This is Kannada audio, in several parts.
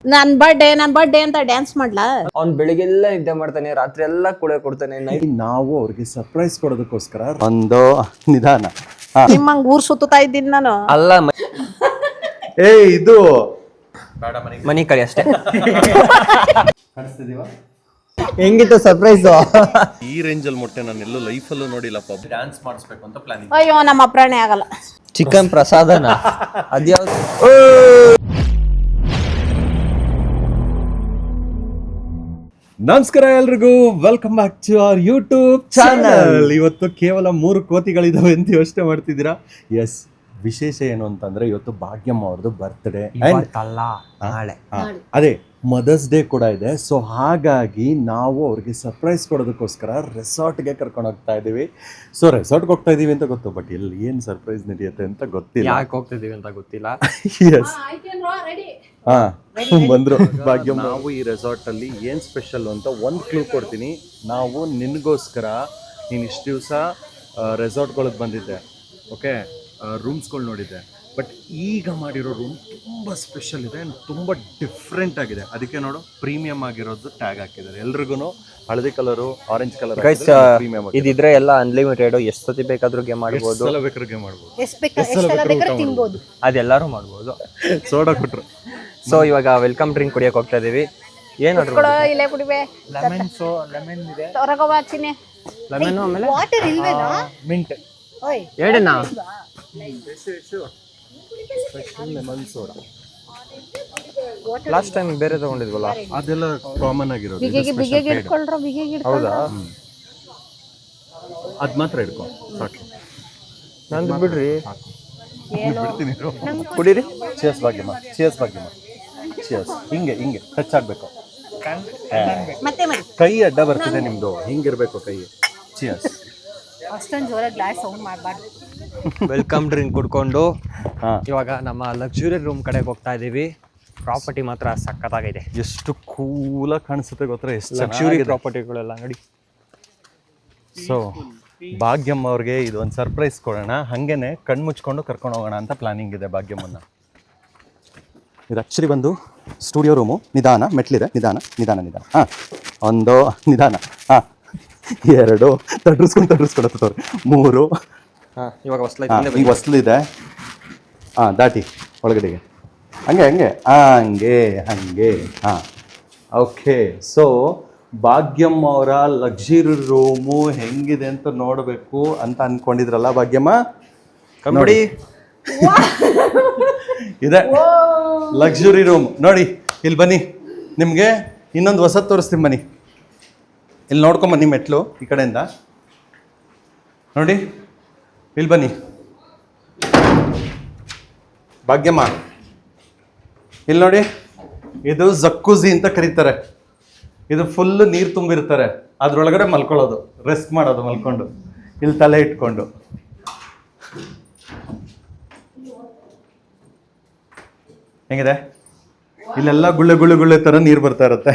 ನನ್ ಬರ್ಡೇ ಅಂತ ಡ್ಯಾನ್ಸ್ ಮಾಡ್ಲಾ? ಅವ್ನ್ ಬೆಳಿಗ್ಗೆಲ್ಲ ನಿದ್ದೆ ಮಾಡ್ತಾನೆ, ರಾತ್ರಿ ಎಲ್ಲ ಕುಳೆ ಕೊಡ್ತಾನೆ. ನಾವು ಅವ್ರಿಗೆ ಸರ್ಪ್ರೈಸ್ ಕೊಡೋದಕ್ಕೋಸ್ಕರ ಒಂದು ನಿಧಾನ ನಿಮ್ಮಂಗ್ ಊರ್ ಸುತ್ತಾ ಇದ್ದೀನಿ ನಾನು. ಅಲ್ಲ ಇದು ಮನಿ ಕಳಿ ಅಷ್ಟೇ. ಕಾಣಿಸ್ತಿದೀವ? ಹೆಂಗಿತ್ತು ಸರ್ಪ್ರೈಸ್? ಈ ರೇಂಜ್ ಅಲ್ಲಿ ಮೊಟ್ಟೆ ನಾನು ಎಲ್ಲೂ ಲೈಫಲ್ಲೂ ನೋಡಿಲ್ಲಪ್ಪ. ಡ್ಯಾನ್ಸ್ ಮಾಡಿಸ್ಬೇಕು ಅಂತ ಪ್ಲಾನಿಂಗ್. ಅಯ್ಯೋ ನಮ್ಮ ಅಪ್ರಾಣೆ ಆಗಲ್ಲ. ಚಿಕನ್ ಪ್ರಸಾದನ ಅದ್ಯಾವ್ದು? ನಮಸ್ಕಾರ ಎಲ್ರಿಗೂ, welcome back to our YouTube channel. ಇವತ್ತು ಕೇವಲ 3 ಕೋತಿಗಳಿದಾವೆ ಅಂತ ಯೋಚನೆ ಮಾಡ್ತಿದ್ದೀರಾ? ಎಸ್, ವಿಶೇಷ ಏನು ಅಂತಂದ್ರೆ ಇವತ್ತು ಭಾಗ್ಯಮ್ಮ ಅವ್ರದ್ದು ಬರ್ತ್ಡೇ, ನಾಳೆ ಅದೇ ಮದರ್ಸ್ ಡೇ ಕೂಡ ಇದೆ. ಸೊ ಹಾಗಾಗಿ ನಾವು ಅವ್ರಿಗೆ ಸರ್ಪ್ರೈಸ್ ಕೊಡೋದಕ್ಕೋಸ್ಕರ ರೆಸಾರ್ಟ್ಗೆ ಕರ್ಕೊಂಡು ಹೋಗ್ತಾ ಇದ್ದೀವಿ. ಸೊ ರೆಸಾರ್ಟ್ಗೆ ಹೋಗ್ತಾ ಇದೀವಿ ಅಂತ ಗೊತ್ತು, ಬಟ್ ಇಲ್ಲಿ ಏನು ಸರ್ಪ್ರೈಸ್ ನಡೆಯುತ್ತೆ ಅಂತ ಗೊತ್ತಿಲ್ಲ. ಯಾಕೆ ಹೋಗ್ತಿದೀವಿ ಅಂತ ಗೊತ್ತಿಲ್ಲ. ಎಸ್, ಬಂದ್ರು ಭಾಗ್ಯಮ್ಮ. ನಾವು ಈ ರೆಸಾರ್ಟ್ ಅಲ್ಲಿ ಏನ್ ಸ್ಪೆಷಲ್ ಅಂತ ಒಂದು ಕ್ಲೂ ಕೊಡ್ತೀನಿ. ನಾವು ನಿನ್ಗೋಸ್ಕರ ನೀನು ಇಷ್ಟು ದಿವಸ ರೆಸಾರ್ಟ್ಗಳಿಗೆ ಬಂದಿದ್ದೆ, ಓಕೆ, ರೂಮ್ಸ್ಗಳು ನೋಡಿದ್ದೆ, ಬಟ್ ಈಗ ಮಾಡಿರೋ ರೂಮ್ ತುಂಬ ಸ್ಪೆಷಲ್ ಇದೆ, ತುಂಬ ಡಿಫ್ರೆಂಟ್ ಆಗಿದೆ. ಅದಕ್ಕೆ ನೋಡು, ಪ್ರೀಮಿಯಂ ಆಗಿರೋದು ಟ್ಯಾಗ್ ಹಾಕಿದ್ದಾರೆ. ಎಲ್ರಿಗೂ ಹಳದಿ ಕಲರು, ಆರೆಂಜ್ ಕಲರ್ ಪ್ರೀಮಿಯಂ. ಇದಿದ್ರೆ ಎಲ್ಲ ಅನ್ಲಿಮಿಟೆಡ್, ಎಷ್ಟು ಸತಿ ಬೇಕಾದ್ರೂ ಗೇಮ್ ಮಾಡ್ಬೋದು, ಬೇಕಾದ್ರೂ ಗೇಮ್ ಮಾಡ್ಬೋದು, ಅದೆಲ್ಲರೂ ಮಾಡ್ಬೋದು. ಸೋಡಾ ಕೊಟ್ರು. ಸೊ ಇವಾಗ ವೆಲ್ಕಮ್ ಡ್ರಿಂಕ್ ಕುಡಿಯಕ್ಕೆ ಹೋಗ್ತಾ ಇದೀವಿ. ಏನು ಇಲ್ಲೇ ಕುಡಿವೆ. ಲೆಮನ್ ಇದೆ, ತೊರಗವಾಚಿನಿ ಲೆಮನ್, ಆಮೇಲೆ ವಾಟರ್ ಇಲ್ವೇನೋ? ಮಿಂಟ್ ಓಯ್ ಹೇಳಣ್ಣ. ಲೆಮನ್ ಸೋಡಾ ಲಾಸ್ಟ್ ಟೈಮ್ ಬೇರೆ ತಗೊಂಡಿದ್ವಲ್ಲ, ಅದೆಲ್ಲ ಕಾಮನ್ ಆಗಿರೋದು. ಬಿಗಿಗೆ ಇಟ್ಕೊಳ್ರ, ಬಿಗಿಗೆ ಹೌದಾ? ಅದ್ ಮಾತ್ರ ಹಿಡ್ಕೊ ಸಾಕು. ನಂದು ಬಿಡ್ರಿ, ಬಿಡ್ತೀನಿ. ಕುಡೀರಿ. Cheers Bhagyamma, cheers Bhagyamma, cheers. ಹಿಂಗೆ ಟಚ್ ಆಗ್ಬೇಕು, ಮತ್ತೆ ಮಾಡಿ. ಕೈ ಅಡ್ಡ ಬರ್ತಿದೆ ನಿಮ್ದು, ಹಿಂಗಿರ್ಬೇಕು ಕೈ. ಚಿಯರ್ಸ್. ಅಷ್ಟೊಂದು ಜೋರ ಗ್ಲಾಸ್ ಸೌಂಡ್ ಮಾಡಬಾರ್ದು. ವೆಲ್ಕಮ್ ಡ್ರಿಂಕ್ ಕುಡ್ಕೊಂಡು ಇವಾಗ ನಮ್ಮ ಲಕ್ಸುರಿ ರೂಮ್ ಕಡೆಗೆ ಹೋಗ್ತಾ ಇದೀವಿ. ಪ್ರಾಪರ್ಟಿ ಮಾತ್ರ ಸಖತ್ತಾಗಿದೆ. ಎಷ್ಟು ಕೂಲಾಗಿ ಕಾಣಿಸುತ್ತೆ ಗೊತ್ತಾ, ಎಷ್ಟು ಲಕ್ಸುರಿ ಪ್ರಾಪರ್ಟಿಗಳೆಲ್ಲ ನೋಡಿ. ಸೊ ಭಾಗ್ಯಮ್ಮ ಅವ್ರಿಗೆ ಇದು ಒಂದು ಸರ್ಪ್ರೈಸ್ ಕೊಡೋಣ, ಹಾಗೇನೆ ಕಣ್ಣು ಮುಚ್ಕೊಂಡು ಕರ್ಕೊಂಡು ಹೋಗೋಣ ಅಂತ ಪ್ಲಾನಿಂಗ್ ಇದೆ ಭಾಗ್ಯಮ್ಮನ್ನ. ಇದು ಆ್ಯಕ್ಚುಲಿ ಬಂದು ಸ್ಟುಡಿಯೋ ರೂಮು. ನಿಧಾನ, ಮೆಟ್ಲಿದೆ, ನಿಧಾನ ನಿಧಾನ ನಿಧಾನ. ಹಾಂ, ಒಂದು ನಿಧಾನ. ಹಾಂ, 2 ತಡ್ರಿಸ್ಕೊಡತ್ತವ್ರೆ. 3. ಇವಾಗ ಈಗ ಹೊಸ್ಲಿದೆ. ಹಾಂ, ದಾಟಿ ಒಳಗಡೆಗೆ, ಹಂಗೆ ಹಾಂ, ಓಕೆ. ಸೊ ಭಾಗ್ಯಮ್ಮ ಅವರ ಲಕ್ಸುರಿ ರೂಮು ಹೆಂಗಿದೆ ಅಂತ ನೋಡಬೇಕು ಅಂತ ಅನ್ಕೊಂಡಿದ್ರಲ್ಲ ಭಾಗ್ಯಮ್ಮ? ನೋಡಿ, ಇದೆ ಲಕ್ಸುರಿ ರೂಮ್. ನೋಡಿ, ಇಲ್ಲಿ ಬನ್ನಿ, ನಿಮಗೆ ಇನ್ನೊಂದು ಹೊಸದು ತೋರಿಸ್ತೀನಿ ಬನ್ನಿ. ಇಲ್ಲಿ ನೋಡ್ಕೊಂಬನ್ನಿ, ಮೆಟ್ಲು ಈ ಕಡೆಯಿಂದ ನೋಡಿ. ಇಲ್ಲಿ ಬನ್ನಿ ಭಾಗ್ಯಮ್ಮ, ಇಲ್ಲಿ ನೋಡಿ. ಇದು ಜಕ್ಕೂಜಿ ಅಂತ ಕರೀತಾರೆ. ಇದು ಫುಲ್ ನೀರು ತುಂಬಿರ್ತಾರೆ, ಅದ್ರೊಳಗಡೆ ಮಲ್ಕೊಳ್ಳೋದು, ರೆಸ್ಟ್ ಮಾಡೋದು ಮಲ್ಕೊಂಡು, ಇಲ್ಲಿ ತಲೆ ಇಟ್ಕೊಂಡು. ಹೆಂಗಿದೆ? ಇಲ್ಲೆಲ್ಲ ಗುಳ್ಳೆ ಥರ ನೀರು ಬರ್ತಾ ಇರುತ್ತೆ.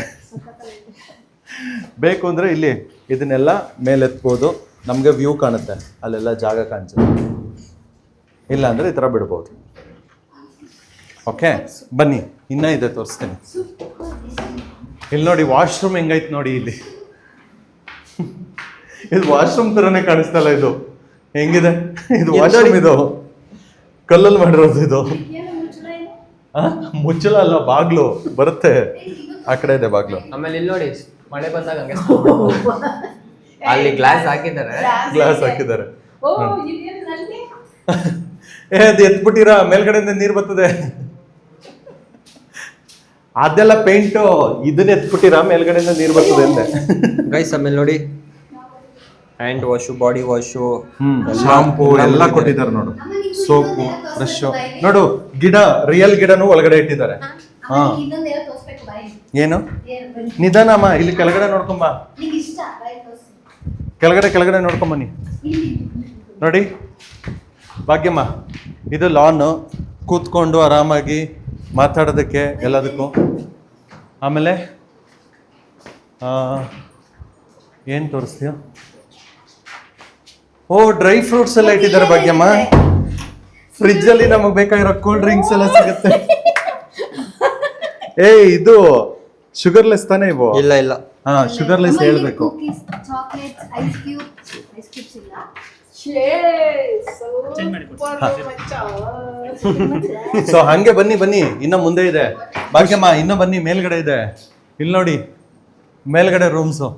ಬೇಕು ಅಂದರೆ ಇಲ್ಲಿ ಇದನ್ನೆಲ್ಲ ಮೇಲೆತ್ಬೋದು, ನಮಗೆ ವ್ಯೂ ಕಾಣುತ್ತೆ, ಅಲ್ಲೆಲ್ಲ ಜಾಗ ಕಾಣಿಸುತ್ತೆ. ಇಲ್ಲ ಅಂದರೆ ಈ ಥರ ಬಿಡ್ಬೋದು. ಓಕೆ, ಬನ್ನಿ, ಇನ್ನೂ ಇದೆ ತೋರಿಸ್ತೀನಿ. ಇಲ್ಲಿ ನೋಡಿ, ವಾಶ್ರೂಮ್ ಹೆಂಗೈತೆ ನೋಡಿ. ಇಲ್ಲಿ ಇದು ವಾಶ್ರೂಮ್ ಥರನೇ ಕಾಣಿಸ್ತಲ್ಲ, ಇದು ಹೆಂಗಿದೆ? ಇದು ವಾಶ್ರೂಮ್, ಇದು ಕಲ್ಲಲ್ಲಿ ಮಾಡಿರೋದು. ಇದು ಮುಚ್ಚಳ ಅಲ್ಲ, ಬಾಗ್ಲು ಬರುತ್ತೆ, ಆ ಕಡೆ ಇದೆ ಬಾಗ್ಲು. ಆಮೇಲೆ ಇಲ್ಲಿ ನೋಡಿ, ಮಳೆ ಬಂದಾಗ ಹಂಗೆ ಅಲ್ಲಿ ಗ್ಲಾಸ್ ಹಾಕಿದ್ದಾರೆ. ಅದು ಎತ್ಬಿಟ್ಟಿರ, ಮೇಲ್ಗಡೆಯಿಂದ ನೀರು ಬರ್ತದೆ. ಅದೆಲ್ಲ ಪೇಂಟು, ಇದನ್ನ ಎತ್ಬಿಟ್ಟಿರ, ಮೇಲ್ಗಡೆಯಿಂದ ನೀರು ಬರ್ತದೆ ಅಂದೆ. ಗೈಸ್ ಆಮೇಲೆ ನೋಡಿ, hand wash, body wash, shampoo ಎಲ್ಲ ಕೊಟ್ಟಿದ್ದಾರೆ ನೋಡು, ಸೋಪು, ಬ್ರಷ್ ನೋಡು. ಗಿಡ, ರಿಯಲ್ ಗಿಡನೂ ಒಳಗಡೆ ಇಟ್ಟಿದ್ದಾರೆ. ಹಾ, ಏನು? ನಿಧಾನಮ್ಮ, ಇಲ್ಲಿ ಕೆಳಗಡೆ ನೋಡ್ಕೊಂಬ, ಕೆಳಗಡೆ ನೋಡ್ಕೊಂಬನ್ನಿ. ನೋಡಿ ಭಾಗ್ಯಮ್ಮ, ಇದು ಲಾನ್, ಕೂತ್ಕೊಂಡು ಆರಾಮಾಗಿ ಮಾತಾಡೋದಕ್ಕೆ ಎಲ್ಲದಕ್ಕೂ. ಆಮೇಲೆ ಏನು ತೋರಿಸ್ತೀಯ? ಓ, ಡ್ರೈ ಫ್ರೂಟ್ಸ್ ಎಲ್ಲ ಇಟ್ಟಿದ್ದಾರೆ ಭಾಗ್ಯಮ್ಮ. ಫ್ರಿಜ್ಜಲ್ಲಿ ನಮಗೆ ಬೇಕಾಗಿರೋ ಕೂಲ್ ಡ್ರಿಂಕ್ಸ್ ಎಲ್ಲ ಸಿಗುತ್ತೆ. ಇದು ಶುಗರ್ಲೆಸ್ ತಾನೇ ಇವು? ಇಲ್ಲ ಇಲ್ಲ, ಹಾ ಶುಗರ್ಲೆಸ್ ಹೇಳ್ಬೇಕು. ಚಾಕ್ಲೇಟ್ಸ್ ಐಸ್ ಕ್ಯೂಬ್ಸ್ ಇಲ್ಲ. ಸೊ ಹಂಗೆ ಬನ್ನಿ ಇನ್ನ ಮುಂದೆ ಇದೆ ಭಾಗ್ಯಮ್ಮ, ಇನ್ನ ಬನ್ನಿ ಮೇಲ್ಗಡೆ ಇದೆ. ಇಲ್ಲಿ ನೋಡಿ ಮೇಲ್ಗಡೆ ರೂಮ್ಸು.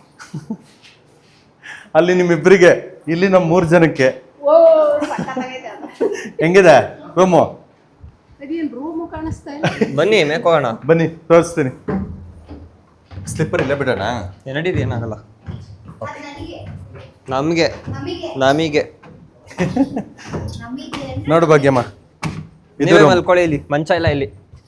ಅಲ್ಲಿ ನಿಮ್ಮಿಬ್ಬರಿಗೆ, ಇಲ್ಲಿ ನಮ್ಮ 3 ಜನಕ್ಕೆ. ಹೆಂಗಿದೆ ರೂಮು? ಬನ್ನಿ ಮೇಕೋಣ. ಬನ್ನಿ ತೋರಿಸ್ತೀನಿ. ಸ್ಲಿಪ್ಪರ್ ಇಲ್ಲೇ ಬಿಡೋಣ. ನಡೀರಿ, ಏನಾಗಲ್ಲ. ನಮಗೆ ನಮಗೆ ನೋಡು ಭಾಗ್ಯಮ್ಮ, ನೀವೇ ಮಲ್ಕೊಳ್ಳಿ, ಇಲ್ಲಿ ಮಂಚ ಇಲ್ಲ ಇಲ್ಲಿ.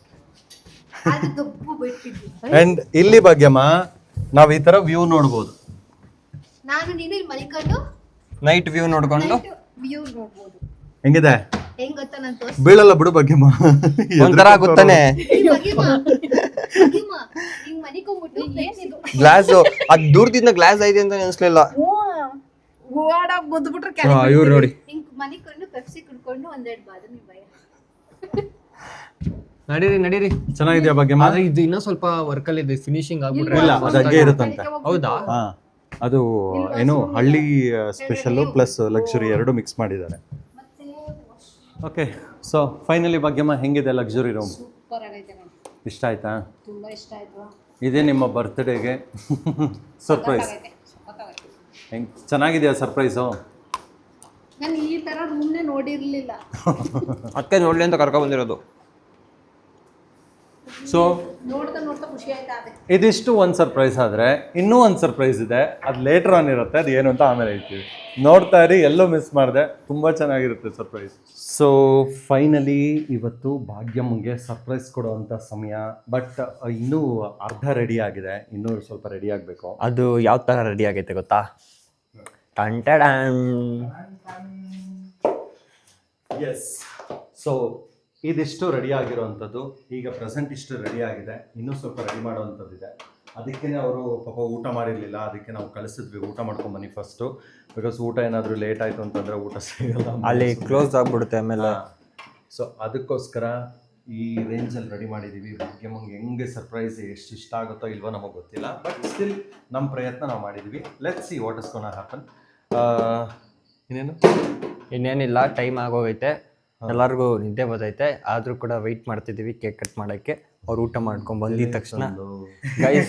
ಅಂಡ್ ಇಲ್ಲಿ ಭಾಗ್ಯಮ್ಮ ನಾವ್ ಈ ತರ ವ್ಯೂ ನೋಡ್ಬೋದು. ನಾನು ನೀನು ಇಲ್ಲಿ ಮಲ್ಕೊಂಡು ನೈಟ್ ವ್ಯೂ ನೋಡ್ಕೊಂಡು ವ್ಯೂ ನೋಡ್ಬೋದು. ಹೆಂಗಿದೆ? ಹೆಂಗ್ ಗೊತ್ತಾ ನಾನು ಬೀಳಲ್ಲ ಬಿಡು ಭಾಗ್ಯಮ್ಮ. ಒಂಥರ ಆಗುತ್ತಾನೆ. ಹಿಂಗ್ ಮನಿಕೊಂಡ್ಬಿಟ್ಟು ಏನಿದು ಗ್ಲಾಸ್ ಅದ್ ದೂರದಿಂದ ಗ್ಲಾಸ್ ಐತೆ ಅಂತ ಅನ್ಸ್ಲಿಲ್ಲ. ಓಡಾಗ್ ಗುದ್ಬಿಟ್ರೆ ಇವ್ರು ನೋಡಿ, ಹಿಂಗ್ ಮನಿಕೊಂಡು ಪೆಪ್ಸಿ ಕುಡ್ಕೊಂಡು ಒಂದೆರಡು ಬಾದಾಮಿ ಭಯ. ನಡೀರಿ. ಚೆನ್ನಾಗಿದ್ಯಾ ಭಾಗ್ಯಮ್ಮ? ಆದ್ರೆ ಇದು ಇನ್ನೂ ಸ್ವಲ್ಪ ವರ್ಕ್ ಅಲ್ಲಿ ಇದೆ, ಫಿನಿಶಿಂಗ್ ಆಗ್ಬಿಟ್ರೆ ಇಲ್ಲ, ಅದು ಹಂಗೆ ಇರುತ್ತಂತೆ. ಹೌದಾ? ಹಾ, ಅದು ಏನು ಹಳ್ಳಿ ಸ್ಪೆಷಲ್ ಪ್ಲಸ್ ಲಕ್ಸುರಿ ಎರಡು ಮಿಕ್ಸ್ ಮಾಡಿದ್ದಾರೆ. ಓಕೆ, ಸೊ ಫೈನಲಿ ಭಾಗ್ಯಮ್ಮ ಹೆಂಗಿದೆ ಲಕ್ಸುರಿ ರೂಮ್? ಸೂಪರ್ ಆಗೈತೆ ನೋಡಿ. ಇಷ್ಟ ಆಯ್ತಾ? ತುಂಬಾ ಇಷ್ಟ ಆಯ್ತು. ಇದೇ ನಿಮ್ಮ ಬರ್ತ್ಡೇಗೆ ಸರ್ಪ್ರೈಸ್. ಹೆಂಗ್ ಚೆನ್ನಾಗಿದೆಯಾ ಸರ್ಪ್ರೈಸು? ನಾನು ಈ ತರ ರೂಮ್ನೇ ನೋಡಿರ್ಲಿಲ್ಲ. ಅದಕ್ಕೆ ನೋಡ್ಲಿ ಅಂತ ಕರ್ಕೊಂಡ್ ಬಂದಿರೋದು. ಸೊ ನೋಡ್ತಾ ಖುಷಿ ಆಯ್ತಾ? ಅದೇ ಇದಿಷ್ಟು ಒಂದು ಸರ್ಪ್ರೈಸ್ ಆದರೆ ಇನ್ನೂ ಒಂದು ಸರ್ಪ್ರೈಸ್ ಇದೆ, ಅದು ಲೇಟರ್ ಆನ್ ಇರುತ್ತೆ. ಅದು ಏನು ಅಂತ ಆಮೇಲೆ ಹೇಳ್ತೀವಿ. ನೋಡ್ತಾ ಇರಿ, ಎಲ್ಲೋ ಮಿಸ್ ಮಾಡಿದೆ, ತುಂಬ ಚೆನ್ನಾಗಿರುತ್ತೆ ಸರ್ಪ್ರೈಸ್. ಸೊ ಫೈನಲಿ ಇವತ್ತು ಭಾಗ್ಯಮ್ಮಗೆ ಸರ್ಪ್ರೈಸ್ ಕೊಡುವಂಥ ಸಮಯ. ಬಟ್ ಇನ್ನೂ ಅರ್ಧ ರೆಡಿ ಆಗಿದೆ, ಇನ್ನೂ ಸ್ವಲ್ಪ ರೆಡಿ ಆಗಬೇಕು. ಅದು ಯಾವ ಥರ ರೆಡಿ ಆಗೈತೆ ಗೊತ್ತಾ? ಎಸ್, ಸೊ ಇದಿಷ್ಟು ರೆಡಿ ಆಗಿರೋವಂಥದ್ದು. ಈಗ ಪ್ರೆಸೆಂಟ್ ಇಷ್ಟು ರೆಡಿ ಆಗಿದೆ, ಇನ್ನೂ ಸ್ವಲ್ಪ ರೆಡಿ ಮಾಡೋವಂಥದ್ದಿದೆ. ಅದಕ್ಕೆ ಅವರು ಪಾಪ ಊಟ ಮಾಡಿರಲಿಲ್ಲ, ಅದಕ್ಕೆ ನಾವು ಕಳಿಸಿದ್ವಿ ಊಟ ಮಾಡ್ಕೊಂಬನ್ನಿ ಫಸ್ಟು. ಬಿಕಾಸ್ ಊಟ ಏನಾದರೂ ಲೇಟ್ ಆಯಿತು ಅಂತಂದರೆ ಊಟ ಸಿಗಲ್ಲ, ಅಲ್ಲಿ ಕ್ಲೋಸ್ ಆಗಿಬಿಡುತ್ತೆ ಆಮೇಲೆ. ಸೊ ಅದಕ್ಕೋಸ್ಕರ ಈ ರೇಂಜಲ್ಲಿ ರೆಡಿ ಮಾಡಿದ್ದೀವಿ. ಭಾಗ್ಯಮ್ಮಂಗೆ ಹೆಂಗೆ ಸರ್ಪ್ರೈಸ್ ಎಷ್ಟು ಇಷ್ಟ ಆಗುತ್ತೋ ಇಲ್ವೋ ನಮಗೆ ಗೊತ್ತಿಲ್ಲ, ಬಟ್ ಸ್ಟಿಲ್ ನಮ್ಮ ಪ್ರಯತ್ನ ನಾವು ಮಾಡಿದ್ದೀವಿ. Let's see what is gonna happen. ಇನ್ನೇನಿಲ್ಲ, ಟೈಮ್ ಆಗೋಗೈತೆ, ಎಲ್ಲರಿಗೂ ನಿದ್ದೆ ಬರ್ತೈತೆ. ಆದರೂ ಕೂಡ ವೆಯ್ಟ್ ಮಾಡ್ತಿದ್ದೀವಿ ಕೇಕ್ ಕಟ್ ಮಾಡೋಕ್ಕೆ. ಅವ್ರು ಊಟ ಮಾಡ್ಕೊಂಡು ಬಂದಿದ ತಕ್ಷಣ ಗೈಸ್,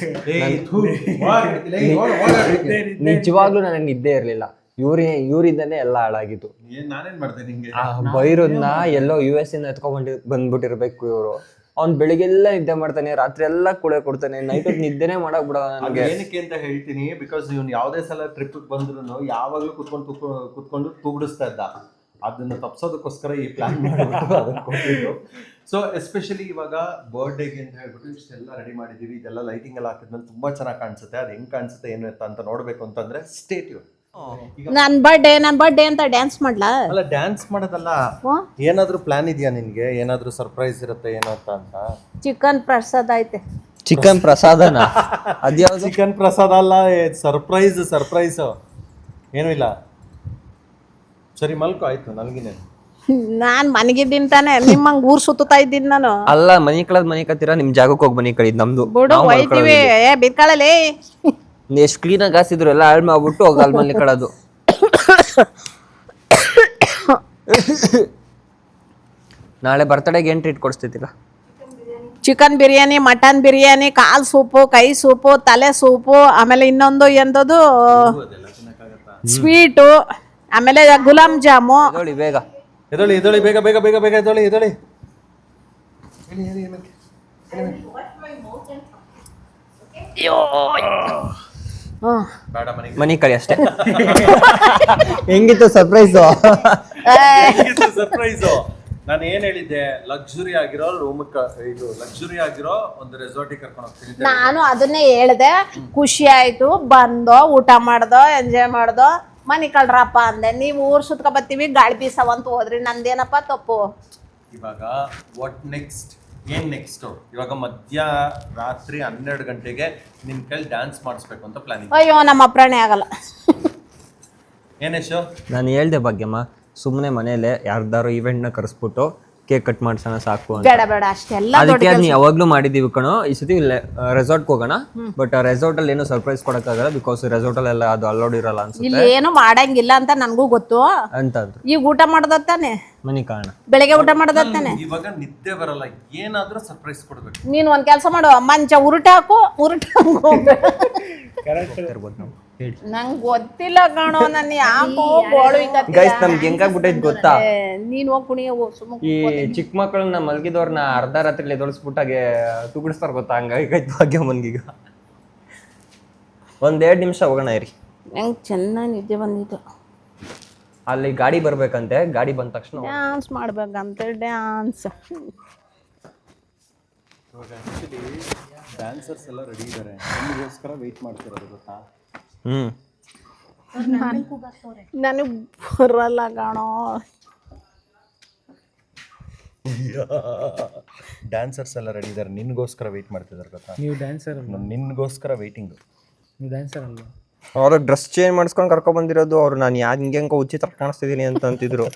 ನಿಜವಾಗ್ಲೂ ನನಗೆ ನಿದ್ದೆ ಇರಲಿಲ್ಲ. ಇವರಿಂದನೇ ಎಲ್ಲ ಹಾಳಾಗಿದ್ದು. ನಾನೇನು ಮಾಡಿದೆ ನಿಮಗೆ? ಬೈರೋದ್ನ ಎಲ್ಲೋ US ಇಂದ ಬಂದ್ಬಿಟ್ಟಿರ್ಬೇಕು ಇವರು. ಅವ್ನು ಬೆಳಿಗ್ಗೆಲ್ಲ ನಿದ್ದೆ ಮಾಡ್ತಾನೆ, ರಾತ್ರಿ ಎಲ್ಲ ಕೂಳೆ ಕೊಡ್ತಾನೆ, ನೈಟ್ ಹೊತ್ತು ನಿದ್ದೆನೇ ಮಾಡಕ್ ಬಿಡ ನನಗೆ. ಏನಕ್ಕೆ ಅಂತ ಹೇಳ್ತೀನಿ, ಬಿಕಾಸ್ ಇವ್ನು ಯಾವುದೇ ಸಲ ಟ್ರಿಪ್ ಬಂದ್ರು ಯಾವಾಗಲೂ ಕುತ್ಕೊಂಡು ತೂಗಿಡಿಸ್ತಾ ಇದ್ದ. ಅದನ್ನ ತಪ್ಸೋದಕ್ಕೋಸ್ಕರ ಈ ಪ್ಲಾನ್ ಮಾಡಿಬಿಟ್ಟು ಅದನ್ನು ಕೊಟ್ಟಿದ್ದು. ಸೊ ಎಸ್ಪೆಷಲಿ ಇವಾಗ ಬರ್ಡೇಗೆ ಅಂತ ಹೇಳ್ಬಿಟ್ಟು ಇಷ್ಟೆಲ್ಲ ರೆಡಿ ಮಾಡಿದ್ದೀವಿ. ಇದೆಲ್ಲ ಲೈಟಿಂಗ್ ಎಲ್ಲ ಹಾಕಿದ್ಮೇಲೆ ತುಂಬ ಚೆನ್ನಾಗಿ ಕಾಣಿಸುತ್ತೆ. ಅದು ಹೆಂಗೆ ಕಾಣಿಸುತ್ತೆ ಏನು ಅಂತ ನೋಡಬೇಕು ಅಂತಂದ್ರೆ ಸ್ಟೇ ಟ್ಯೂನ್. ನನ್ ಬರ್ಡೇ ಅಂತ ಡ್ಯಾನ್ಸ್ ಮಾಡ್ಲಾ? ಅಲ್ಲ, ಡ್ಯಾನ್ಸ್ ಮಾಡೋದಲ್ಲ, ಏನಾದ್ರೂ ಪ್ಲಾನ್ ಇದೆಯಾ ನಿನ್ಗೆ? ಏನಾದ್ರೂ ಸರ್ಪ್ರೈಸ್ ಇರುತ್ತೆ ಏನೋ ಅಂತ? ಚಿಕನ್ ಪ್ರಸಾದ ಐತೆ. ಚಿಕನ್ ಪ್ರಸಾದನ? ಅದ್ಯಾವ್ದು? ಚಿಕನ್ ಪ್ರಸಾದ ಅಲ್ಲ, ಸರ್ಪ್ರೈಸ್ ಏನೂ ಇಲ್ಲ. ಸರಿ ಮಲ್ಕೋ, ಆಯ್ತು ನನಗಿನೇ. ನಾನ್ ಮನೆಗಿದ್ದೀನಿ ತಾನೆ, ನಿಮ್ಮಂಗ್ ಊರ್ ಸುತ್ತಾ ಇದ್ದೀನಿ ನಾನು. ಅಲ್ಲ, ಮನಿ ಕಳದ್ ಮನಿ ಕತ್ತೀರಾ, ನಿಮ್ ಜಾಗಕ್ಕೆ ಹೋಗಿ ಮನಿ ಕಳಿದ್ ನಮ್ದು. ಬಿಡು ಹೋಯ್ತೀವಿ. ಬಿತ್ಕಳಲಿ ಎಷ್ಟು ಕ್ಲೀನಾಗಿ ಹಾಸಿದ್ರು ಎಲ್ಲ ಹಾಳು ಮಾಡ್ಬಿಟ್ಟು ಹೋಗಿ ಅಲ್ಲಿ ಮನೆ ಕಳೋದು. ನಾಳೆ ಬರ್ತಡೆಗೆ ಏನು ಟ್ರೀಟ್ ಕೊಡಿಸ್ತಿದ್ದೀರಾ? ಚಿಕನ್ ಬಿರಿಯಾನಿ, ಮಟನ್ ಬಿರಿಯಾನಿ, ಕಾಲ್ ಸೂಪು, ಕೈ ಸೂಪು, ತಲೆ ಸೂಪು, ಆಮೇಲೆ ಇನ್ನೊಂದು ಎಂದದು ಸ್ವೀಟು, ಆಮೇಲೆ ಗುಲಾಬ್ ಜಾಮು. ಬೇಗ ಎದೊಳಿ ಬೇಗ ಬೇಗ ಬೇಗ ಬೇಗ ಎದೊಳಿ. ಮನಿ ಕಳಿ ಅಷ್ಟೇ. ಹೆಂಗಿತ್ತು ಸರ್ಪ್ರೈಸು? ಸರ್ಪ್ರೈಸು ನಾನು ಏನ್ ಹೇಳಿದ್ದೆ, ಲಕ್ಸುರಿ ಆಗಿರೋ ಲಕ್ಸುರಿ ಆಗಿರೋ ಒಂದು ರೆಸಾರ್ಟಿಗೆ ಕರ್ಕೊಂಡು ಹೋಗ್ತೀನಿ. ನಾನು ಅದನ್ನೇ ಹೇಳ್ದೆ. ಖುಷಿ ಆಯ್ತು, ಬಂದೋ, ಊಟ ಮಾಡ್ದೋ, ಎಂಜಾಯ್ ಮಾಡ್ದೋ, ಮನಿ ಕಳ್ರಪ್ಪ ಅಂದೆ. ನೀವು ಊರ್ ಸುತ್ಕೊ ಬರ್ತೀವಿ, ಗಾಳಿ ಬೀಸವಂತ ಹೋದ್ರಿ, ನಂದೇನಪ್ಪ ತಪ್ಪು. ಇವಾಗ ವಾಟ್ ನೆಕ್ಸ್ಟ್? ಏನ್ ನೆಕ್ಸ್ಟ್? ಇವಾಗ ರಾತ್ರಿ 12 ಗಂಟೆಗೆ ನಿನ್ ಕೈಲಿ ಡ್ಯಾನ್ಸ್ ಮಾಡಿಸ್ಬೇಕು ಅಂತ ಪ್ಲಾನಿಂಗ್. ಅಯ್ಯೋ, ನಮ್ಮ ಅಪ್ರಾಣೆ ಆಗಲ್ಲ. ಏನೇಶು? ನಾನು ಹೇಳ್ದೆ ಭಾಗ್ಯಮ್ಮ, ಸುಮ್ಮನೆ ಮನೇಲೆ ಯಾರ್ದಾರು ಇವೆಂಟ್ನ ಕರೆಸ್ಬಿಟ್ಟು ಕೇಕ್ ಕಟ್ ಮಾಡ್ಸೋಣ ಸಾಕು ಅಂತ. ಬೇಡ ಬೇಡ ಅಷ್ಟೆಲ್ಲ ಅದಕ್ಕೆ ಅದನ್ನ ಯಾವಾಗ್ಲೂ ಮಾಡಿದೀವಿ ಕಣೋ. ಈ ಸತಿ ರೆಸಾರ್ಟ್ಗೆ ಹೋಗೋಣ, ಬಟ್ ರೆಸಾರ್ಟ್ ಅಲ್ಲಿ ಏನು ಸರ್ಪ್ರೈಸ್ ಕೊಡಕ್ಕಾಗಲ್ಲ, ಬಿಕಾಸ್ ರೆಸಾರ್ಟ್ ಅಲ್ಲೆಲ್ಲ ಅದು ಅಲೌಡ್ ಇರಲ್ಲ ಅನ್ಸುತ್ತೆ ಇಲ್ಲಿ ಏನು ಮಾಡಂಗಿಲ್ಲ ಅಂತ ನನ್ಗೂ ಗೊತ್ತು. ಅಂತಂದ್ರು. ಈಗ ಊಟ ಮಾಡ್ದತ್ತಾನೆ, ಮನಿ ಕಾರಣ ಬೆಳಿಗ್ಗೆ ಊಟ ಮಾಡ್ದತ್ತಾನೆ. ಇವಾಗ ನಿದ್ದೆ ಬರಲ್ಲ, ಏನಾದ್ರೂ ಸರ್ಪ್ರೈಸ್ ಕೊಡ್ಬೇಕು. ನೀನ್ ಒಂದ್ ಕೆಲ್ಸ ಮಾಡು, ಮಂಚ ಉರುಟಾಕು ನಂಗ್ ಗೊತ್ತಿಲ್ಲ ಕಣೋ, ನನ್ ಯಾಕೋ ಗೋಳು ಗೈಸ್ ನಮ್ಗೆ ಹೆಂಗಾಗ್ಬಿಟ್ಟೈತ್ ಗೊತ್ತಾ, ನೀನ್ ಹೋಗ್ ಕುಣಿಯ ಈ ಚಿಕ್ಕ ಮಕ್ಕಳನ್ನ ಮಲ್ಗಿದವ್ರನ್ನ ಅರ್ಧ ರಾತ್ರಿ ಎದುರಿಸ್ಬಿಟ್ಟಾಗೆ ತುಗುಡಿಸ್ತಾರ ಗೊತ್ತಾ, ಹಂಗಾಗಿ ಭಾಗ್ಯಮ್ಮನ್ಗೀಗ 1-2 ನಿಮಿಷ ಹೋಗೋಣ ಇರಿ. ನಂಗೆ ಚೆನ್ನಾಗಿ ನಿದ್ದೆ ಬಂದಿತ್ತು. ಅಲ್ಲಿ ಗಾಡಿ ಬರ್ಬೇಕಂತೆ, ಗಾಡಿ ಬಂದ ತಕ್ಷಣ ಡ್ಯಾನ್ಸ್ ಮಾಡ್ಬೇಕಂತೆ, ಡ್ಯಾನ್ಸ್. ಡ್ಯಾನ್ಸರ್ಸ್ ಎಲ್ಲ ರೆಡಿ ಇದ್ದಾರೆ, ನಿಮಗೋಸ್ಕರ ವೆಯ್ಟ್ ಮಾಡ್ತಿರೋದು ಗೊತ್ತಾ. ನನಗೆ ಬರಲ್ಲ ಕಣೋ. ಡ್ಯಾನ್ಸರ್ಸ್ ಎಲ್ಲ ರೆಡಿ ಇದ್ದಾರೆ, ನಿನ್ಗೋಸ್ಕರ ವೆಯ್ಟ್ ಮಾಡ್ತಿದ್ದಾರೆ ಗೊತ್ತಾ. ನೀವು ಡ್ಯಾನ್ಸರ್ ಅಲ್ಲ, ನಿನ್ಗೋಸ್ಕರ ವೆಯ್ಟಿಂಗು. ನೀವು ಡ್ಯಾನ್ಸರ್ ಅಲ್ಲ. ಅವ್ರ ಡ್ರೆಸ್ ಚೇಂಜ್ ಮಾಡಿಸ್ಕೊಂಡು ಕರ್ಕೊಂಡ್ ಬಂದಿರೋದು ಅವ್ರು. ನಾನು ಯಾರು ಹಿಂಗೆ ಉಚಿತ ಕಾಣಿಸ್ತಿದ್ದೀನಿ ಅಂತ ಅಂತಿದ್ರು.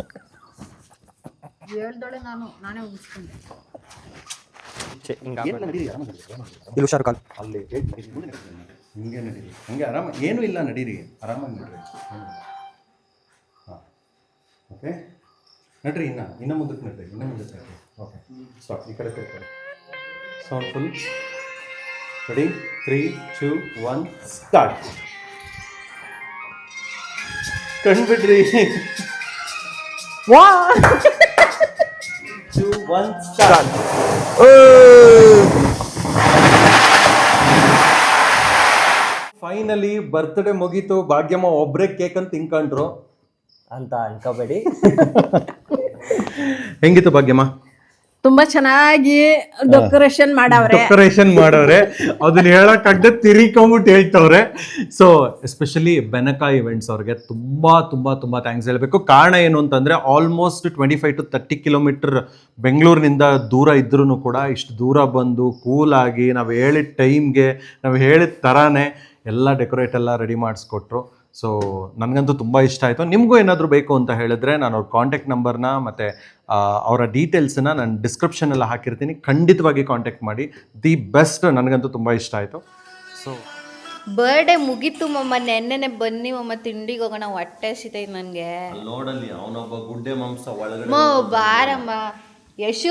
ಇಲ್ಲಿ ಶಾರುಖ್ ಖಾನ್ ಅಲ್ಲಿ ಹಿಂಗೆ ನಡೀರಿ, ಹಂಗೆ ಆರಾಮ, ಏನೂ ಇಲ್ಲ, ನಡೀರಿ, ಆರಾಮಾಗಿ ನಡ್ರಿ. ಹಾಂ ಓಕೆ, ನಡ್ರಿ, ಇನ್ನು ಮುಂದಕ್ಕೆ ನಡ್ರಿ, ಓಕೆ ಸ್ಟಾಪ್. ಈ ಕಡೆ ತಿರ್ಕೊಳ್ಳಿ, ಸೌಂಡ್ ಫುಲ್. Ready, 3, 2, 1 start. ಕಂಡ್ಬಿಡ್ರಿ. 2, 1 ಸ್ಟಾರ್ಟ್. ಫೈನಲಿ ಬರ್ತ್ಡೇ ಮುಗೀತು, ಭಾಗ್ಯಮ್ಮ ಒಬ್ರೇ ಕೇಕ್ ಅಂತ ತಿನ್ಕೊಂಡ್ರು ಅಂತ ಅನ್ಕೋಬೇಡಿ. ಹೆಂಗಿತ್ತು ಭಾಗ್ಯಮ್ಮ? ತುಂಬಾ ಚೆನ್ನಾಗಿ ಡೆಕೋರೇಷನ್ ಮಾಡವ್ರೆ. ಅದನ್ನ ಹೇಳಕ್ಕಾಗದೆ ತಿರಿಕೊಂಬಿಟ್ಟು ಹೇಳ್ತವ್ರೆ. ಸೊ ಎಸ್ಪೆಷಲಿ ಬೆನಕ ಇವೆಂಟ್ಸ್ ಅವ್ರಿಗೆ ತುಂಬಾ ತುಂಬಾ ತುಂಬಾ ಥ್ಯಾಂಕ್ಸ್ ಹೇಳಬೇಕು. ಕಾರಣ ಏನು ಅಂತಂದ್ರೆ ಆಲ್ಮೋಸ್ಟ್ 25 to 30 ಕಿಲೋಮೀಟರ್ ಬೆಂಗಳೂರಿನಿಂದ ದೂರ ಇದ್ರೂ ಕೂಡ ಇಷ್ಟು ದೂರ ಬಂದು ಕೂಲಾಗಿ ನಾವು ಹೇಳಿದ ಟೈಮ್ಗೆ ನಾವು ಹೇಳಿದ ಥರಾನೇ ಎಲ್ಲ ಡೆಕೋರೇಟ್ ಎಲ್ಲ ರೆಡಿ ಮಾಡಿಸ್ಕೊಟ್ರು. ಸೊ ನನಗಂತೂ ತುಂಬ ಇಷ್ಟ ಆಯಿತು. ನಿಮಗೂ ಏನಾದರೂ ಬೇಕು ಅಂತ ಹೇಳಿದ್ರೆ ನಾನು ಅವ್ರ ಕಾಂಟ್ಯಾಕ್ಟ್ ನಂಬರ್ನ ಮತ್ತು ಅವರ ಡೀಟೇಲ್ಸನ್ನ ನಾನು ಡಿಸ್ಕ್ರಿಪ್ಷನೆಲ್ಲ ಹಾಕಿರ್ತೀನಿ, ಖಂಡಿತವಾಗಿ ಕಾಂಟ್ಯಾಕ್ಟ್ ಮಾಡಿ. ದಿ ಬೆಸ್ಟ್, ನನಗಂತೂ ತುಂಬ ಇಷ್ಟ ಆಯಿತು. ಸೊ ಬರ್ಡೇ ಮುಗೀತು ಮಮ್ಮ, ನೆನ್ನೆನೆ ಬನ್ನಿ ಮಮ್ಮ, ತಿಂಡಿಗೆ ಹೋಗೋಣ, ಹೊಟ್ಟೆ ಸಿತೈತೆ ನನಗೆ. ನೋಡಲ್ಲಿ ಅವನೊಬ್ಬ ಗುಡ್ಡೆ ಮಾಂಸ ಒಳಗಡೆ. ಬಾರಮ್ಮ. ಯಶು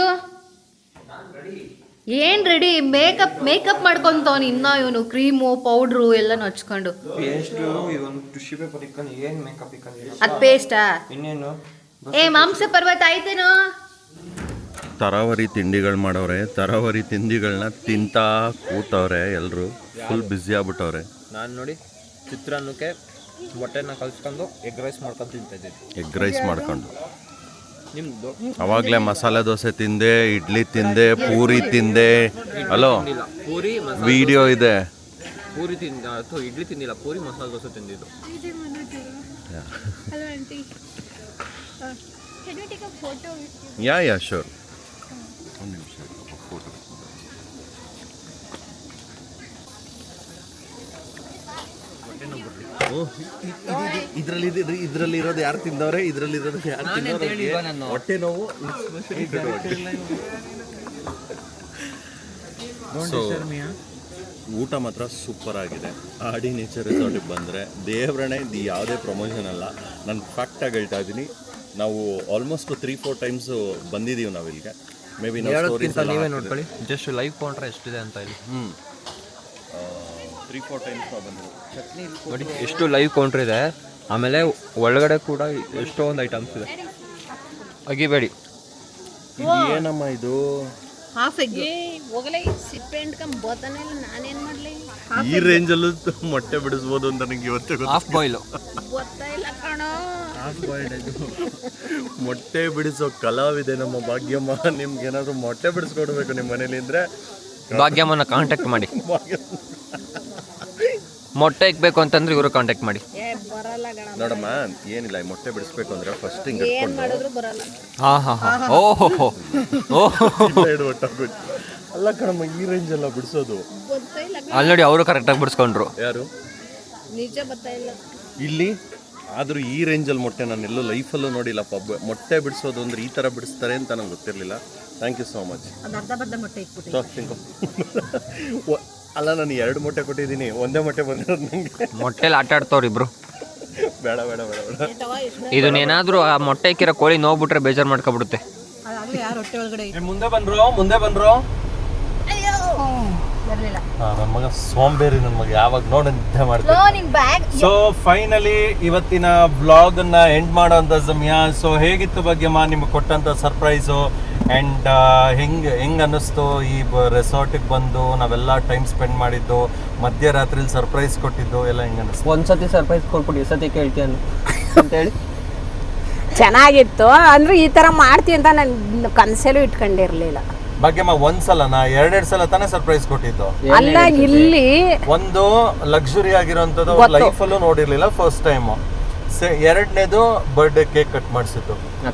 ಏನ್ ರೆಡಿ? ಮೇಕಪ್ ಮಾಡ್ಕೊಂತವನು ಇನ್ನ, ಇವನು ಕ್ರೀಮು ಪೌಡ್ರು ಎಲ್ಲ ಹಚ್ಕೊಂಡು. ಅದ್ ಪೇಸ್ಟಾ? ಇನ್ನೇನು ಮಾಂಸ ಪರ್ವತ ಆಯ್ತೇನೋ. ತರಾವರಿ ತಿಂಡಿಗಳು ಮಾಡವ್ರೆ, ತರಾವರಿ ತಿಂಡಿಗಳನ್ನ ತಿಂತಾ ಕೂತವ್ರೆ, ಎಲ್ಲರೂ ಫುಲ್ ಬ್ಯುಸಿ ಆಗ್ಬಿಟ್ಟವ್ರೆ. ನಾನು ನೋಡಿ ಚಿತ್ರಾನ್ನಕ್ಕೆ ಮೊಟ್ಟೆನ ಕಲ್ಸ್ಕೊಂಡು ಎಗ್ ರೈಸ್ ಮಾಡ್ಕೊಂಡು ತಿಂತಿದ್ದೀನಿ. ಎಗ್ ರೈಸ್ ಮಾಡ್ಕೊಂಡು ನಿಮ್ದು ಅವಾಗಲೇ ಮಸಾಲೆ ದೋಸೆ ತಿಂದೆ, ಇಡ್ಲಿ ತಿಂದೆ, ಪೂರಿ ತಿಂದೆ. ಹಲೋ, ಪೂರಿ ವಿಡಿಯೋ ಇದೆ. ಪೂರಿ ತಿಂದ ಅಥವಾ ಇಡ್ಲಿ ತಿಂದಿಲ್ಲ, ಪೂರಿ ಮಸಾಲೆ ದೋಸೆ ತಿಂದಿದ್ದು. Yeah sure. ಒಂದು ನಿಮಿಷ ಫೋಟೋ. ಇದ್ರಲ್ಲಿ ಇರೋದು ಯಾರು ತಿಂದವ್ರೆ, ಇದ್ರಲ್ಲಿ ಇರೋದು ಯಾರು ತಿಂದವ್ರೆ, ಹೊಟ್ಟೆ ನೋವು. ಊಟ ಮಾತ್ರ ಸೂಪರ್ ಆಗಿದೆ. ಆಡಿ ನೇಚರ್ ರೆಸಾರ್ಟಿಗೆ ಬಂದರೆ ದೇವ್ರಣೆ, ಇದು ಯಾವುದೇ ಪ್ರಮೋಷನ್ ಅಲ್ಲ, ನಾನು ಫ್ಯಾಕ್ಟಾಗಿ ಹೇಳ್ತಾ ಇದ್ದೀನಿ. ನಾವು ಆಲ್ಮೋಸ್ಟ್ 3-4 ಟೈಮ್ಸ್ ಬಂದಿದ್ದೀವಿ ನಾವು ಇಲ್ಲಿಗೆ. ಮೇ ಬಿ ನಾವು ಸ್ಟೋರೀಸ್ ನೀವೇ ನೋಡ್ಕೊಳ್ಳಿ, ಜಸ್ಟ್ ಲೈವ್ ಕೌಂಟ್ರೆ ಎಷ್ಟಿದೆ ಅಂತ ಇಲ್ಲಿ. 3-4 ಟೈಮ್ಸ್ ನಾವು ಬಂದಿದ್ದೀವಿ. ಚಟ್ನಿ ನೋಡಿ ಎಷ್ಟು ಲೈವ್ ಕೌಂಟ್ರ್ ಇದೆ. ಆಮೇಲೆ ಒಳಗಡೆ ಕೂಡ ಎಷ್ಟೊಂದು ಐಟಮ್ಸ್ ಇದೆ, ಅಗಿಬೇಡಿ. ಏನಮ್ಮ ಇದು? ಈ ರೇಂಜಲ್ಲೂ ಮೊಟ್ಟೆ ಬಿಡಿಸ್ಬೋದು ಅಂತ ನನಗೆ ಇವತ್ತೇ ಹಾಫ್ ಬಾಯ್ಲು. ಮೊಟ್ಟೆ ಬಿಡಿಸೋ ಕಲಾವಿದೆ ನಮ್ಮ ಭಾಗ್ಯಮ್ಮ. ನಿಮ್ಗೆ ಏನಾದ್ರು ಮೊಟ್ಟೆ ಬಿಡಿಸ್ಕೊಡ್ಬೇಕು ನಿಮ್ಮ ಮನೇಲಿ ಅಂದ್ರೆ ಭಾಗ್ಯಮ್ಮನ ಕಾಂಟ್ಯಾಕ್ಟ್ ಮಾಡಿ. ಮೊಟ್ಟೆ ಇಕ್ಬೇಕು ಅಂತಂದ್ರೆ ಇವರು ಕಾಂಟ್ಯಾಕ್ಟ್ ಮಾಡಿ. ನೋಡಮ್ಮ, ಏನಿಲ್ಲ, ಈ ಮೊಟ್ಟೆ ಬಿಡಿಸ್ಬೇಕು ಅಂದ್ರೆ ಫಸ್ಟ್ ಹಿಂಗೆ ಅಲ್ಲ ಕಣಮ್ಮ, ಈ ರೇಂಜ್ ಎಲ್ಲ ಬಿಡಿಸೋದು. ಅಲ್ಲಿ ನೋಡಿ ಅವರು ಕರೆಕ್ಟಾಗಿ ಬಿಡಿಸ್ಕೊಂಡ್ರು. ಯಾರು? ಇಲ್ಲಿ ಆದರೂ ಈ ರೇಂಜಲ್ಲಿ ಮೊಟ್ಟೆ ನಾನು ಎಲ್ಲೂ ಲೈಫಲ್ಲೂ ನೋಡಿಲ್ಲಪ್ಪ. ಮೊಟ್ಟೆ ಬಿಡಿಸೋದು ಅಂದ್ರೆ ಈ ಥರ ಬಿಡಿಸ್ತಾರೆ ಅಂತ ನಂಗೆ ಗೊತ್ತಿರಲಿಲ್ಲ. Thank you so much. ಅಲ್ಲ, ನಾನು 2 ಮೊಟ್ಟೆ ಕೊಟ್ಟಿದ್ದೀನಿ, ಒಂದೇ ಮೊಟ್ಟೆ ಬಂದಿರೋದು ನನಗೆ. ಮೊಟ್ಟೆಲಿ ಆಟ ಆಡ್ತವ್ರು ಇಬ್ರು. ಬೇಡ ಬೇಡ ಬೇಡ ಬೇಡ. ಇದನ್ನೇನಾದ್ರೂ ಆ ಮೊಟ್ಟೆ ಇಕ್ಕಿರೋ ಕೋಳಿ ನೋಡ್ಬಿಟ್ರೆ ಬೇಜಾರು ಮಾಡ್ಕೊಬಿಡುತ್ತೆ. ಮುಂದೆ ಬಂದ್ರು. ನನ್ನ ಮಗ ಸೋಂಬೇರಿ, ನನ್ನ ಮಗ ಯಾವಾಗ ನೋಡಿ ನಿದ್ದೆ ಮಾಡ್ತೀನಿ. ಸೊ ಫೈನಲಿ ಇವತ್ತಿನ ವ್ಲಾಗ್ ಅನ್ನ ಎಂಡ್ ಮಾಡೋಂಥ ಸಮಯ. ಸೊ ಹೇಗಿತ್ತು ಭಾಗ್ಯಮ್ಮ ನಿಮ್ಗೆ ಕೊಟ್ಟಂತ ಸರ್ಪ್ರೈಸು ಆ್ಯಂಡ್ ಹೆಂಗ್ ಅನ್ನಿಸ್ತು ಈ ರೆಸಾರ್ಟಿಗೆ ಬಂದು ನಾವೆಲ್ಲ ಟೈಮ್ ಸ್ಪೆಂಡ್ ಮಾಡಿದ್ದು, ಮಧ್ಯರಾತ್ರಿಲಿ ಸರ್ಪ್ರೈಸ್ ಕೊಟ್ಟಿದ್ದು ಎಲ್ಲ ಹೆಂಗೆ ಅನ್ನಿಸ್ತು? ಒಂದ್ಸತಿ ಸರ್ಪ್ರೈಸ್ ಕೊಟ್ಬಿಟ್ಟು ಈ ಸತಿ ಕೇಳ್ತೀಯ ಅಂತ ಹೇಳಿ ಚೆನ್ನಾಗಿತ್ತು. ಅಂದ್ರೆ ಈ ತರ ಮಾಡ್ತೀವಿ ಅಂತ ನಾನು ಕನಸಲ್ಲೂ ಇಟ್ಕೊಂಡಿರ್ಲಿಲ್ಲ. ಭಾಗ್ಯಮ್ಮ ಒಂದ್ಸಲನಾ 2 ಸಲ ತಾನೇ ಸರ್ಪ್ರೈಸ್ ಕೊಟ್ಟಿದ್ದು? ಅಲ್ಲ, ಇಲ್ಲಿ ಒಂದು ಲಕ್ಸುರಿ ಆಗಿರೋಂಥದ್ದು ಲೈಫಲ್ಲೂ ನೋಡಿರ್ಲಿಲ್ಲ, ಫಸ್ಟ್ ಟೈಮ್. ಎರಡನೇದು ಬರ್ಡೇ ಕೇಕ್ ಕಟ್ ಮಾಡಿಸಿದ್ದು.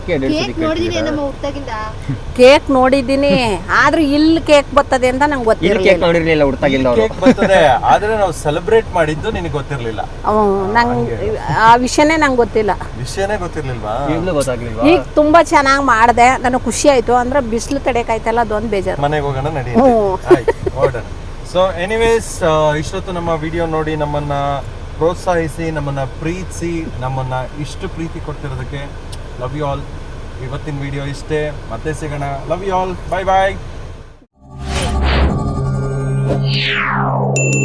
ಕೇಕ್ ನೋಡಿದ್ದೀನಿ, ಆದ್ರೆ ಇಲ್ಲಿ ಕೇಕ್ ಬರ್ತದೆ ಅಂತ ನಂಗೆ ನೋಡಿರ್ಲಿಲ್ಲ ಹುಡ್ತಾಗಿಂದ ಕೇಕ್ ಬರ್ತದೆ, ಆದ್ರೆ ನಾವು ಸೆಲೆಬ್ರೇಟ್ ಮಾಡಿದ್ದು ನಿನಗೆ ಗೊತ್ತಿರ್ಲಿಲ್ಲ. ನಂಗೆ ಆ ವಿಷಯನೇ ನಂಗೆ ಗೊತ್ತಿಲ್ಲ. ವಿಷಯನೇ ಗೊತ್ತಿರ್ಲಿಲ್ವಾ? ಗೊತ್ತಾಗ್ಲಿಲ್ವಾ? ಈಗ ತುಂಬಾ ಚೆನ್ನಾಗಿ ಮಾಡಿದೆ, ನನಗೆ ಖುಷಿ ಆಯ್ತು. ಅಂದ್ರೆ ಬಿಸಿಲು ತಡೆಕಾಯ್ತಲ್ಲ, ಅದೊಂದು ಬೇಜಾರು. ಮನೆಗೆ ಹೋಗೋಣ ನಡಿ. ಸೊ ಎನಿವೇಸ್, ಇಷ್ಟೊತ್ತು ನಮ್ಮ ವಿಡಿಯೋ ನೋಡಿ ನಮ್ಮನ್ನ ಪ್ರೋತ್ಸಾಹಿಸಿ, ನಮ್ಮನ್ನ ಪ್ರೀತಿಸಿ, ನಮ್ಮನ್ನ ಇಷ್ಟು ಪ್ರೀತಿ ಕೊಡ್ತಿರೋದಕ್ಕೆ ಲವ್ ಯು ಆಲ್. ಇವತ್ತಿನ ವಿಡಿಯೋ ಇಷ್ಟೇ, ಮತ್ತೆ ಸಿಗೋಣ. Love you all, bye bye.